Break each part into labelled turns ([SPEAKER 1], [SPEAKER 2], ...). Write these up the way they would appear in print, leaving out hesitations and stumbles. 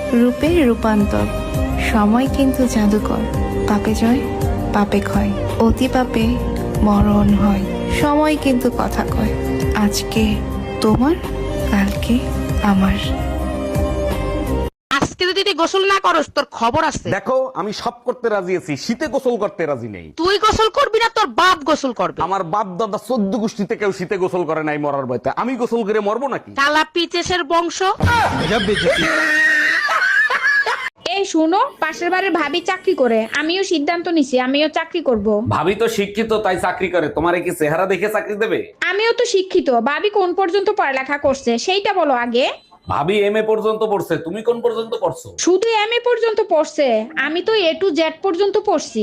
[SPEAKER 1] রূপে রূপান্তর, সময় কিন্তু জাদুকর। পাপে জয়, পাপে ক্ষয়, অতি পাপে মরণ হয়। সময় কিন্তু কথা কয়, আজকে তোমার, কালকে আমার।
[SPEAKER 2] আজকে যদি তুই গোসল না করস তোর খবর আছে।
[SPEAKER 3] দেখো আমি সব করতে রাজি আছি, শীতে গোসল করতে রাজি নেই।
[SPEAKER 2] তুই গোসল করবি না, তোর বাপ গোসল করবে।
[SPEAKER 3] আমার বাপ দাদা 14 গোষ্ঠীতে কেউ শীতে গোসল করে নাই মরার ভয়তে, আমি গোসল করে মরবো নাকি?
[SPEAKER 2] কালা পিচেসের বংশ।
[SPEAKER 4] এই শুনো, পাশের বাড়ির ভাবি চাকরি করে, আমিও সিদ্ধান্ত নিছি আমিও চাকরি করব।
[SPEAKER 3] ভাবি তো শিক্ষিত তাই চাকরি করে, তোমারে কি চেহারা দেখে চাকরি দেবে?
[SPEAKER 4] আমিও তো শিক্ষিত, ভাবি কোন পর্যন্ত পড়ালেখা করছে সেইটা বলো আগে।
[SPEAKER 3] ভাবি এমএ পর্যন্ত পড়ছে, তুমি কোন পর্যন্ত পড়ছো?
[SPEAKER 4] শুধু এমএ পর্যন্ত পড়ছে, আমি তো এ টু জেড পর্যন্ত পড়ছি।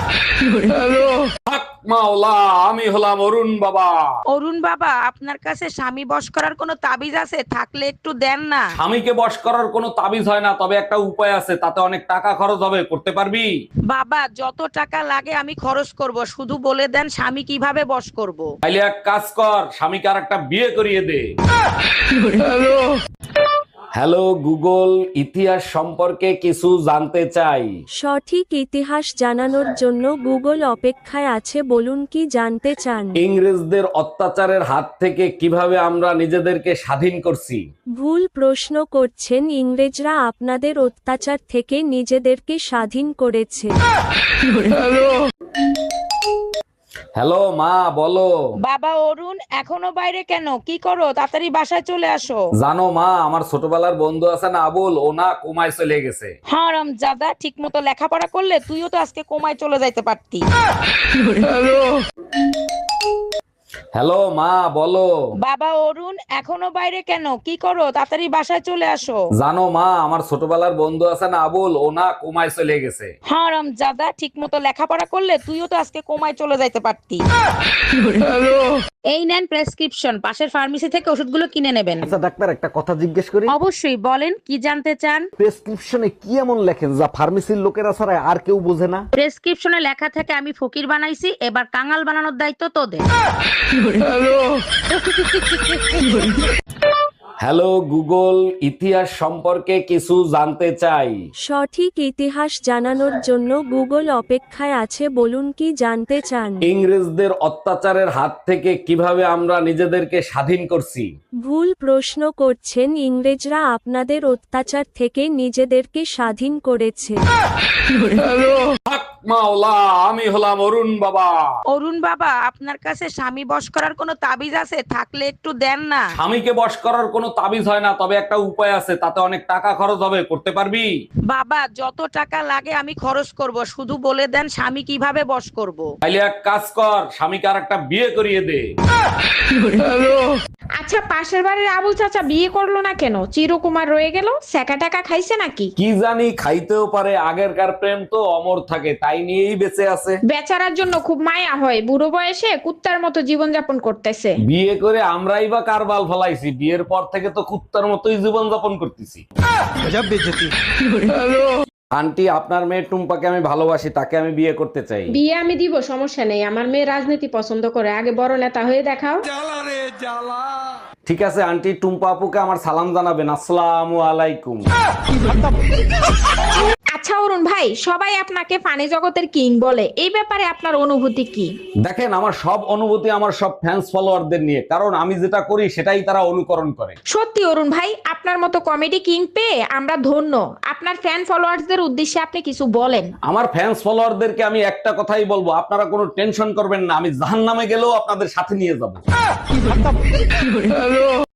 [SPEAKER 3] হক মাওলা, আমি হলাম অরুণ বাবা।
[SPEAKER 2] অরুণ বাবা, আপনার কাছে স্বামী বশ করার কোনো তাবিজ আছে? থাকলে একটু দেন না।
[SPEAKER 3] স্বামীকে বশ করার কোনো তাবিজ হয় না, তবে একটা উপায় আছে, তাতে অনেক টাকা খরচ হবে, করতে পারবি?
[SPEAKER 2] বাবা, যত টাকা লাগে আমি খরচ করব, শুধু বলে দেন স্বামী কিভাবে বশ করব।
[SPEAKER 3] তাইলে এক কাজ কর, স্বামীকে আর একটা বিয়ে করিয়ে দে। হ্যালো গুগল, ইতিহাস সম্পর্কে কিছু জানতে চাই।
[SPEAKER 5] সঠিক ইতিহাস জানানোর জন্য গুগল অপেক্ষায় আছে, বলুন কি জানতে চান।
[SPEAKER 3] ইংরেজদের অত্যাচারের হাত থেকে কিভাবে আমরা নিজেদেরকে স্বাধীন করছি?
[SPEAKER 5] ভুল প্রশ্ন করছেন, ইংরেজরা আপনাদের অত্যাচার থেকে নিজেদেরকে স্বাধীন করেছে।
[SPEAKER 3] হ্যালো মা, বলো।
[SPEAKER 2] বাবা অরুণ, এখনো বাইরে কেন? কি করো? তাড়াতাড়ি বাসায় চলে আসো।
[SPEAKER 3] জানো মা, আমার ছোটবেলার বন্ধু আছে না আবুল, ও না কোমায় চলে গেছে।
[SPEAKER 2] হারাম জাদা, ঠিক মতো লেখাপড়া করলে তুইও তো আজকে কোমায় চলে যাইতে পারতি।
[SPEAKER 3] হ্যালো মা, বলো।
[SPEAKER 2] বাবা অরুণ, এখনো বাইরে কেন? কি করো? তাড়াতাড়ি বাসায় চলে আসো।
[SPEAKER 3] জানো মা, আমার ছোটবেলার বন্ধু আছে না আবুল, ও না কোমায় চলে গেছে।
[SPEAKER 2] হারাম জাদা, ঠিক মতো লেখাপড়া করলে তুইও তো আজকে কোমায় চলে যাইতে পারতি। এই নেন প্রেসক্রিপশন, পাশের ফার্মেসি থেকে ওষুধগুলো কিনে নেবেন।
[SPEAKER 3] আচ্ছা ডাক্তার, একটা কথা জিজ্ঞেস করি।
[SPEAKER 2] অবশ্যই, বলেন কি জানতে চান।
[SPEAKER 3] প্রেসক্রিপশনে কি এমন লেখেন যা ফার্মেসির লোকেরা ছাড়া আর কেউ বোঝে না?
[SPEAKER 2] প্রেসক্রিপশনে লেখা থাকে আমি ফকির বানাইছি, এবার কাঙাল বানানোর দায়িত্ব তোদের।
[SPEAKER 3] হ্যালো গুগল, ইতিহাস সম্পর্কে কিছু জানতে চাই।
[SPEAKER 5] সঠিক ইতিহাস জানানোর জন্য গুগল অপেক্ষায় আছে, বলুন কি জানতে চান।
[SPEAKER 3] ইংরেজদের অত্যাচারের হাত থেকে কিভাবে আমরা নিজেদেরকে স্বাধীন করছি?
[SPEAKER 5] ভুল প্রশ্ন করছেন, ইংরেজরা আপনাদের অত্যাচার থেকে নিজেদেরকে স্বাধীন করেছে।
[SPEAKER 3] হক মাওলা, আমি হলাম অরুণ বাবা।
[SPEAKER 2] অরুণ বাবা, আপনার কাছে স্বামী বশ করার কোনো তাবিজ আছে? থাকলে একটু দেন না।
[SPEAKER 3] স্বামীকে বশ করার কোনো তাবিজ হয় না, তবে একটা উপায় আছে, তাতে অনেক টাকা খরচ হবে, করতে পারবি?
[SPEAKER 2] বাবা, যত টাকা লাগে আমি খরচ করব, শুধু বলে দেন স্বামী কিভাবে বশ করব।
[SPEAKER 3] তাইলে এক কাজ কর, স্বামীকে আর একটা বিয়ে করিয়ে দে।
[SPEAKER 4] আচ্ছা, পাশের বাড়ির আবুল চাচা বিয়ে করলো না কেন? চিরকুমার রয়ে গেল, সেকা টাকা খাইছে নাকি?
[SPEAKER 3] কি জানি, খাইতেও পারে, আগেরকার প্রেম তো অমর থাকে, তাই নিয়েই বেঁচে আছে।
[SPEAKER 4] বেচারার জন্য খুব মায়া হয়, বুড়ো বয়সে কুত্তার মতো জীবন যাপন করতেছে।
[SPEAKER 3] বিয়ে করে আমরাই বা কার বাল ফলাইছি? বিয়ের পর থেকে তো কুত্তার মতোই জীবন যাপন করতেছি। আন্টি, আপনার মেয়ে টুম্পাকে আমি ভালোবাসি, তাকে আমি বিয়ে করতে চাই।
[SPEAKER 4] বিয়ে আমি দিব, সমস্যা নেই, আমার মেয়ে রাজনীতি পছন্দ করে, আগে বড় নেতা হয়ে দেখাও।
[SPEAKER 3] ঠিক আছে আন্টি, টুম্পা আপুকে আমার সালাম জানাবেন। আসসালামু আলাইকুম।
[SPEAKER 4] আচ্ছা অরুণ ভাই, সবাই আপনাকে ফানি জগতের কিং বলে, এই ব্যাপারে আপনার অনুভূতি কি?
[SPEAKER 3] দেখেন, আমার সব অনুভূতি আমার সব ফ্যান্স ফলোয়ারদের নিয়ে, কারণ আমি যেটা করি সেটাই তারা অনুকরণ করে।
[SPEAKER 4] সত্যি অরুণ ভাই, আপনার মতো কমেডি কিং পেয়ে আমরা ধন্য। আপনার ফ্যান ফলোয়ার্সদের উদ্দেশ্যে আপনি কিছু বলেন।
[SPEAKER 3] আমার ফ্যান্স ফলোয়ারদেরকে আমি একটা কথাই বলবো, আপনারা কোনো টেনশন করবেন না, আমি জাহান্নামে গেলেও আপনাদের সাথে নিয়ে যাব।